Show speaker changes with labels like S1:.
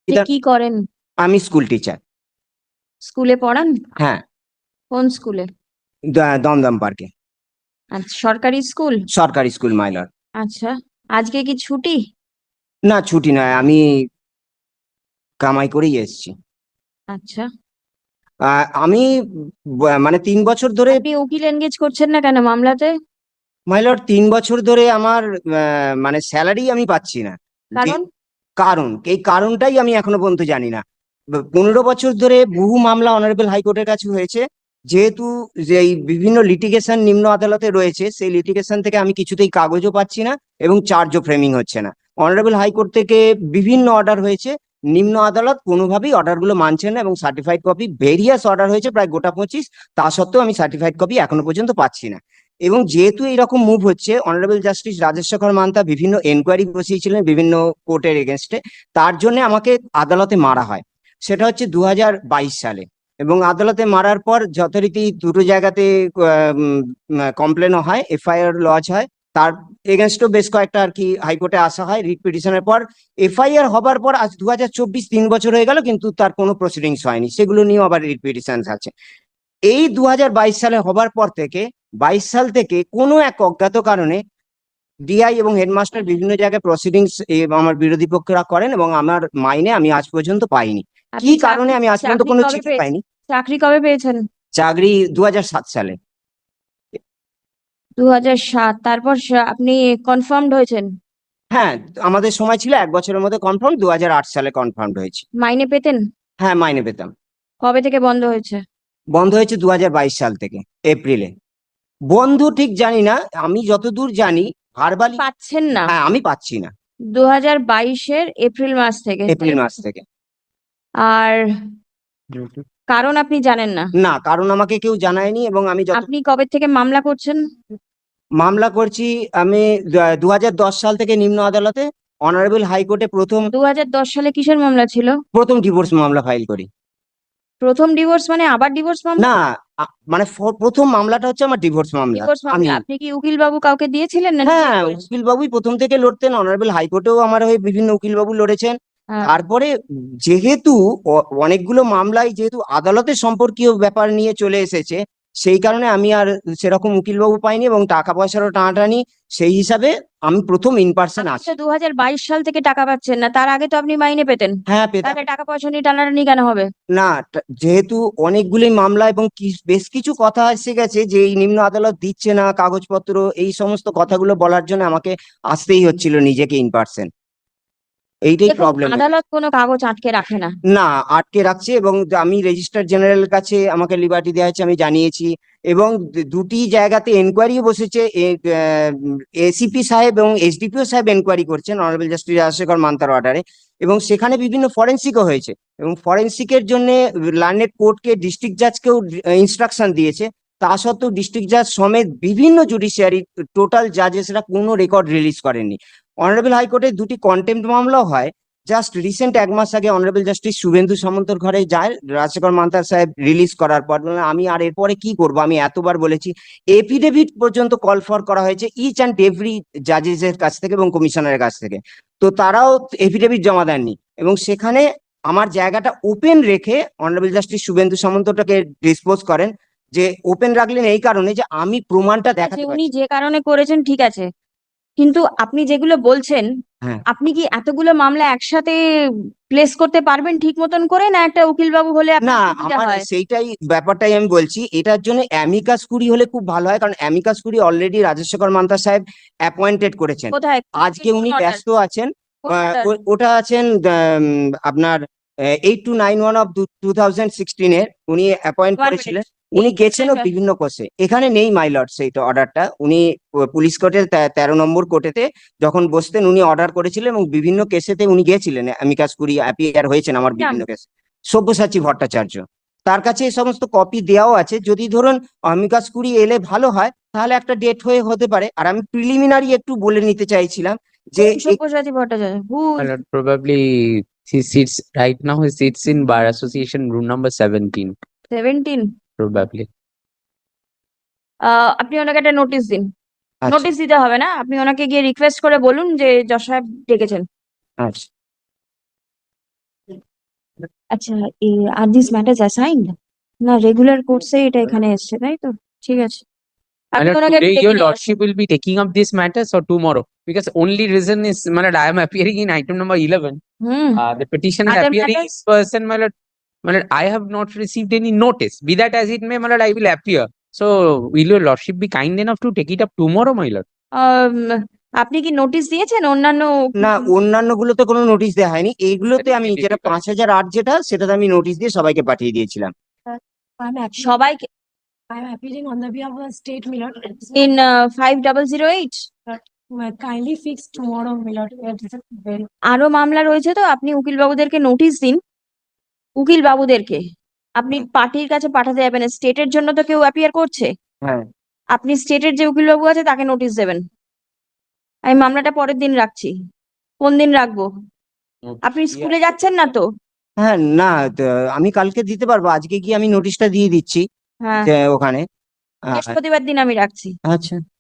S1: যে কি করেন?
S2: আমি স্কুল টিচার।
S1: স্কুলে পড়ান?
S2: হ্যাঁ,
S1: কোন স্কুলে?
S2: দমদম পার্কে।
S1: আচ্ছা, সরকারি স্কুল?
S2: সরকারি স্কুল মাইলর।
S1: আচ্ছা, আজকে কি ছুটি?
S2: না, ছুটি নয়, আমি কামাই করেই এসেছি।
S1: আচ্ছা,
S2: আমি মানে 3 বছর ধরে
S1: আপনি উকিল এনগেজ করছেন না কেন মামলাতে?
S2: মাইলর 3 বছর ধরে আমার মানে স্যালারি আমি পাচ্ছি না। যে
S1: কারণ?
S2: কারণ, এই কারণটাই আমি এখনো পর্যন্ত জানি না। 15 বছর ধরে বহু মামলা অনারেবল হাইকোর্টের কাছে হয়েছে। যেহেতু যে এই বিভিন্ন লিটিগেশন নিম্ন আদালতে রয়েছে, সেই লিটিগেশন থেকে আমি কিছুতেই কাগজও পাচ্ছি না এবং চার্জও ফ্রেমিং হচ্ছে না। অনারেবল হাইকোর্ট থেকে বিভিন্ন অর্ডার হয়েছে, নিম্ন আদালত কোনোভাবেই অর্ডারগুলো মানছে না এবং সার্টিফাইড কপি ভেরিয়াস অর্ডার হয়েছে প্রায় গোটা 25, তা সত্ত্বেও আমি সার্টিফাইড কপি এখনো পর্যন্ত পাচ্ছি না। এবং যেহেতু এইরকম মুভ হচ্ছে, অনারেবল জাস্টিস রাজেশ শেখর মান্তা বিভিন্ন এনকোয়ারি বসিয়েছিলেন বিভিন্ন কোর্টের এগেনস্টে, তার জন্য আমাকে আদালতে মারা হয়। সেটা হচ্ছে 2022 সালে। এবং আদালতে মারার পর যথারীতি দুটো জায়গাতে কমপ্লেনও হয়, এফআইআর লজ হয়। তার এগেনস্টও বেশ কয়েকটা আর কি হাইকোর্টে আসা হয় রিট পিটিশনের পর। এফআইআর হবার পর আজ 2024, 3 বছর হয়ে গেল, কিন্তু তার কোনো প্রসিডিংস হয়নি, সেগুলো নিয়েও আবার রিট পিটিশন আছে। এই 2022 সালে হবার পর থেকে 22 সাল থেকে কোনো এক অজ্ঞাত কারণে ডিআই এবং হেডমাস্টার বিভিন্ন জায়গায় প্রসিডিংস আমার বিরোধী পক্ষরা করেন এবং আমার মাইনে আমি আজ পর্যন্ত পাইনি। কি
S1: আপনি
S2: কারণে আমি আজ পর্যন্ত
S1: চাকরি
S2: কোনো
S1: কবে
S2: চিঠি
S1: পেয়েছেন?
S2: পাইনি।
S1: চাকরি কবে পেয়েছেন?
S2: চাকরি 2007 সালে।
S1: 2007? তারপর আপনি কনফার্মড হয়েছেন?
S2: হ্যাঁ, আমাদের সময় ছিল 1 বছরের মধ্যে কনফার্ম, 2008 সালে কনফার্ম হয়েছে।
S1: মাইনে পেতেন?
S2: হ্যাঁ, মাইনে পেতাম।
S1: কবে থেকে বন্ধ হয়েছে?
S2: বন্ধ হয়েছে 2022 সাল থেকে, এপ্রিলে। বন্ধু ঠিক জানি না, আমি যতদূর জানি ভার্বালি।
S1: পাচ্ছেন না?
S2: হ্যাঁ, আমি পাচ্ছি না।
S1: 2022-এর এপ্রিল মাস থেকে?
S2: এপ্রিল মাস থেকে।
S1: আর কারণ আপনি জানেন না?
S2: না, কারণ আমাকে কেউ জানায়নি এবং আমি
S1: আপনি কবে থেকে মামলা করছেন?
S2: মামলা করছি আমি 2010 সাল থেকে নিম্ন আদালতে। অনারেবল হাইকোর্টে প্রথম
S1: 2010 সালে কিসের মামলা ছিল?
S2: প্রথম ডিভোর্স মামলা ফাইল করি।
S1: প্রথম ডিভোর্স মানে আবার ডিভোর্স মামলা?
S2: না, মানে প্রথম মামলাটা হচ্ছে আমার ডিভোর্স মামলা।
S1: ডিভোর্স
S2: আমি,
S1: মামলা আপনি কি উকিল বাবু কাউকে দিয়েছিলেন না?
S2: হ্যাঁ, উকিল বাবুই প্রথম থেকে লড়তেন, অনারেবল হাইকোর্টেও আমার হয়ে বিভিন্ন উকিল বাবু লড়েছেন।
S1: হ্যাঁ।
S2: তারপরে যেহেতু অনেকগুলো মামলায় যেহেতু আদালতের সম্পর্কীয় ব্যাপার নিয়ে চলে এসেছে, সেই কারণে আমি আর সেরকম উকিলবাবু পাইনি এবং টাকা পয়সারও টানাটানি, সেই হিসাবে আমি প্রথম ইন পার্সন
S1: আপনি
S2: আসি।
S1: তো 2022 সাল থেকে টাকা পাচ্ছেন না, তার আগে তো আপনি মাইনে পেতেন।
S2: হ্যাঁ, পেতাম।
S1: তাহলে টাকা পয়সা নিয়ে টানাটানি কেন হবে?
S2: না, যেহেতু অনেকগুলি মামলা এবং বেশ কিছু কথা এসে গেছে যে এই নিম্ন আদালত দিচ্ছে না কাগজপত্র, এই সমস্ত কথাগুলো বলার জন্য আমাকে আসতেই হচ্ছিল নিজেকে ইন পার্সন। এইটাই
S1: দেখুন,
S2: প্রবলেম।
S1: আদালত কোনো কাগজ আটকে রাখে না।
S2: না, আটকে রাখছে এবং আমি রেজিস্ট্রার জেনারেলের কাছে আমাকে লিবার্টি দেওয়া হয়েছে, আমি জানিয়েছি। এবং দুটি জায়গাতে এনকোয়ারিও বসেছে, এসিপি সাহেব এবং এসডিপিও সাহেব এনকোয়ারি করছেন অনারেবল জাস্টিস রাজশেখর মান্তার অর্ডারে। এবং সেখানে বিভিন্ন ফরেন্সিকও হয়েছে এবং ফরেন্সিকের জন্য লার্নেড কোর্টকে, ডিস্ট্রিক্ট জাজকেও ইনস্ট্রাকশন দিয়েছে। তা সত্ত্বেও ডিস্ট্রিক্ট জাজ সমেত বিভিন্ন জুডিশিয়ারি টোটাল জাজেসরা কোনো রেকর্ড রিলিজ করেননি। অনারেবল হাইকোর্টে দুটি কন্টেম্পট মামলাও হয়। জাস্ট রিসেন্ট 1 মাস আগে অনারেবল জাস্টিস শুভেন্দু সামন্তর ঘরে যায় রাজশেখর মান্তার সাহেব রিলিজ করার পর। আমি আর এরপরে কি করব, আমি এতবার বলেছি। এফিডেভিট পর্যন্ত কল ফর করা হয়েছে ইচ অ্যান্ড এভরি জাজেসের কাছ থেকে এবং কমিশনারের কাছ থেকে, তো তারাও এফিডেভিট জমা দেননি। এবং সেখানে আমার জায়গাটা ওপেন রেখে অনারেবল জাস্টিস শুভেন্দু সামন্তটাকে ডিসপোজ করেন, যে ওপেন রাখলেন এই কারণে যে আমি প্রমাণটা দেখাতে
S1: উনি
S2: পারছি।
S1: যে কারণে করেছেন ঠিক আছে, কিন্তু আপনি যেগুলো বলছেন,
S2: হ্যাঁ।
S1: আপনি কি এতগুলো মামলা একসাথে প্লেস করতে পারবেন ঠিক মতন করে, না একটা উকিল বাবু হলে
S2: না,
S1: আপনার সুবিধা
S2: আমার
S1: হয়?
S2: সেইটাই ব্যাপারটাই আমি বলছি, এটার জন্য অ্যামিকাস কুরি হলে খুব ভালো হয়, কারণ amicus curiae already Rajshekhar Mantha সাহেব অ্যাপয়েন্টেড করেছেন।
S1: কোথায়?
S2: আজকে উনি
S1: কোন order?
S2: ব্যস্ত আছেন।
S1: কোন order?
S2: ওটা আছেন আপনার 8291 অফ 2016-এর উনি অ্যাপয়েন্ট
S1: One
S2: করেছিলেন।
S1: minute.
S2: উনি
S1: এই
S2: গেছেনও
S1: order-
S2: বিভিন্ন কোর্সে, এখানে নেই মাই লর্ড সেইটা অর্ডারটা। উনি পুলিশ কোর্টের 13 নম্বর কোর্টেতে যখন বসতেন উনি অর্ডার করেছিলেন এবং বিভিন্ন কেসেতে উনি গিয়েছিলেন, অ্যামিকাস কুরি অ্যাপিয়ার হয়েছেন আমার বিভিন্ন কেসে। সব্যসাচী ভট্টাচার্য, তার কাছে এই সমস্ত কপি দেওয়াও আছে। যদি ধরুন অমিকাস কুরি এলে ভালো হয়, তাহলে একটা ডেট হতে পারে। আর আমি প্রিলিমিনারি একটু বলে নিতে চাইছিলাম যে
S1: Sabyasachi Bhattacharya who?
S3: My lord, probably he sits right now. He sits in Bar Association room number 17.
S1: 17?
S3: Probably.
S1: আপনি ওনাকে একটা নোটিশ দিন।
S2: আচ্ছা।
S1: নোটিশ দিতে হবে না, আপনি ওনাকে গিয়ে রিকোয়েস্ট করে বলুন যে যশ সাহেব ডেকেছেন।
S2: আচ্ছা।
S1: আচ্ছা, আর দিস ম্যাটার্স অ্যাসাইন্ড না রেগুলার কোর্সে এটা এখানে এসছে, তাই তো? ঠিক আছে, আপনি
S3: Malad,
S1: ওনাকে একটু
S3: today
S1: ডেকে
S3: your
S1: নিয়ে আসুন।
S3: lordship will be taking up these matters or tomorrow? Because only reason is, Malad, I am appearing in item number 11.
S1: Hmm,
S3: The petition is
S1: other
S3: appearing
S1: matters?
S3: in person, Malad, I have not received any notice. Be that as it may, Malad, I will appear. So, will your lordship be kind enough to take it up tomorrow, my lord?
S1: আম, আপনি কি notice দিয়েছেন অন্যান্য?
S2: না, অন্যান্য গুলোতে কোনো notice দেওয়া হয়নি, এইগুলোতে আমি
S3: Definitely,
S2: যেটা
S3: definitely.
S2: 5008 যেটা, সেটাতে আমি নোটিশ দিয়ে সবাইকে পাঠিয়ে দিয়েছিলাম।
S1: সবাইকে
S4: I'm appealing on the behalf of the state, my lord.
S1: In 5008?
S4: Kindly fix tomorrow, my lord. It is very.
S1: আরো মামলা রয়েছে, তো আপনি উকিল বাবুদেরকে নোটিশ দিন। উকিল বাবুদেরকে আপনি পার্টির কাছে পাঠাতে যাবেন, স্টেটের জন্য তো কেউ অ্যাপিয়ার করছে,
S2: হ্যাঁ,
S1: আপনি স্টেটের যে উকিল বাবু আছে তাকে নোটিশ দেবেন। আমি মামলাটা পরের দিন রাখছি। কোন দিন রাখবো? আপনি স্কুলে যাচ্ছেন না তো?
S2: হ্যাঁ, না, আমি কালকে দিতে পারবো, আজকে গিয়ে আমি নোটিশটা দিয়ে দিচ্ছি
S1: হ্যাঁ,
S2: যে ওখানে।
S1: বৃহস্পতিবার দিন আমি রাখছি।
S2: আচ্ছা।